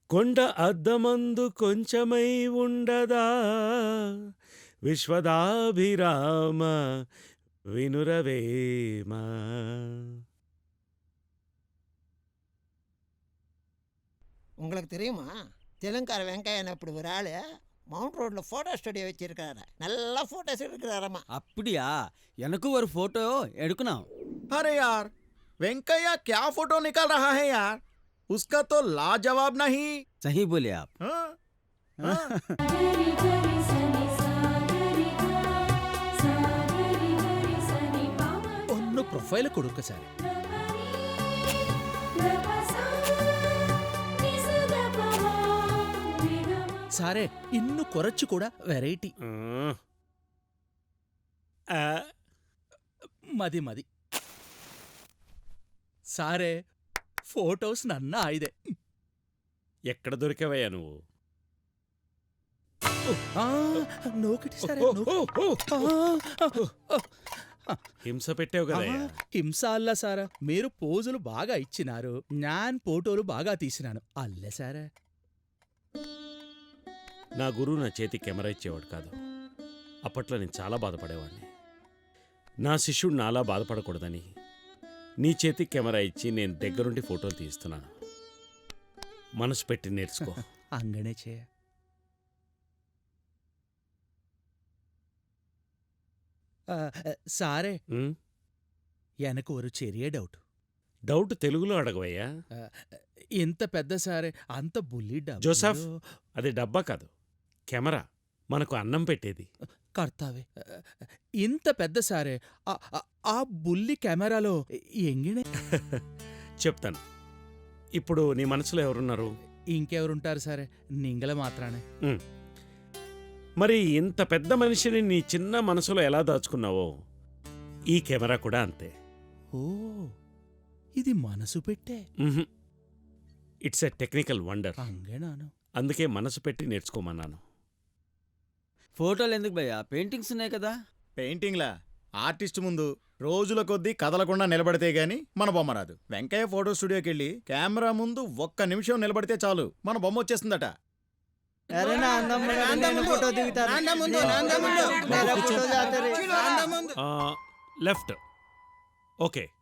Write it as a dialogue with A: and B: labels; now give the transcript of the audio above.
A: కొండ అద్దమందు కొంచెమై ఉండదా విశ్వదాభిరామ వినురవేమ.
B: உங்களுக்கு தெரியுமா தெலுங்கார வெங்காயம் அப்படி ஒரு ஆள் மவுண்ட் ரோட்ல போட்டோ ஸ்டுடியோ வச்சிருக்காரு. நல்லா போட்டோஸ் எடுக்கிறாரம்மா.
C: அப்படியா? எனக்கு ஒரு फोटो எடுக்கணும்.
D: अरे यार वेंकैया क्या फोटो निकाल रहा है यार, उसका तो लाजवाब नहीं.
C: सही बोले आप.
D: हाँ? हाँ?
E: ഒന്ന് പ്രൊഫൈൽ കൊടുക്ക സാറേ. സാറേ ഇന്നു കുറച്ചു കൂടെ വെറൈറ്റി. మది మది సారే ఫోటోస్ నన్న ఆయిదే.
A: ఎక్కడ దొరికావయ్యా నువ్వు?
E: నోకిటి సారే
A: హింస పెట్టావు కదా.
E: హింస అల్ల సారా, మీరు పోజులు బాగా ఇచ్చినారు, నేను ఫోటోలు బాగా తీసినాను అల్లే సారా.
A: నా గురువు నా చేతి కెమెరా ఇచ్చేవాడు కాదు. అప్పట్లో నేను చాలా బాధపడేవాడిని. నా శిష్యుడు నాలా బాధపడకూడదని నీ చేతి కెమెరా ఇచ్చి నేను దగ్గరుండి ఫోటోలు తీస్తున్నాను. మనసు పెట్టి నేర్చుకో.
E: అంగనే చేయ. సారే ఎనకు ఒక చెరియ డౌట్.
A: డౌట్ తెలుగులో అడగవయ్యా.
E: ఇంత పెద్ద సారే అంత బుల్లి డబ్బా.
A: జోసఫ్, అది డబ్బా కాదు, కెమెరా, మనకు అన్నం పెట్టేది.
E: కర్తావే ఇంత పెద్ద సారే ఆ బుల్లి కెమెరాలో ఎంగినే.
A: చెప్తాను. ఇప్పుడు నీ మనసులో ఎవరున్నారు?
E: ఇంకెవరుంటారు సరే, నింగల మాత్రానే.
A: మరి ఇంత పెద్ద మనిషిని నీ చిన్న మనసులో ఎలా దాచుకున్నావో ఈ కెమెరా కూడా అంతే.
E: ఓ, ఇది మనసు పెట్టే.
A: It's a technical wonder.
E: అంగేనాను.
A: అందుకే మనసు పెట్టి నేర్చుకోమన్నాను.
C: ఫోటోలు ఎందుకు భయ్యా? పెయింటింగ్స్ ఉన్నాయి కదా.
D: పెయింటింగ్లా? ఆర్టిస్ట్ ముందు రోజుల కొద్దీ కదలకుండా నిలబడితే గాని మన బొమ్మ రాదు. వెంకయ్య ఫోటో స్టూడియోకి వెళ్ళి కెమెరా ముందు 1 నిమిషం నిలబడితే చాలు మన బొమ్మ వచ్చేస్తుందట.
A: లెఫ్ట్. ఓకే.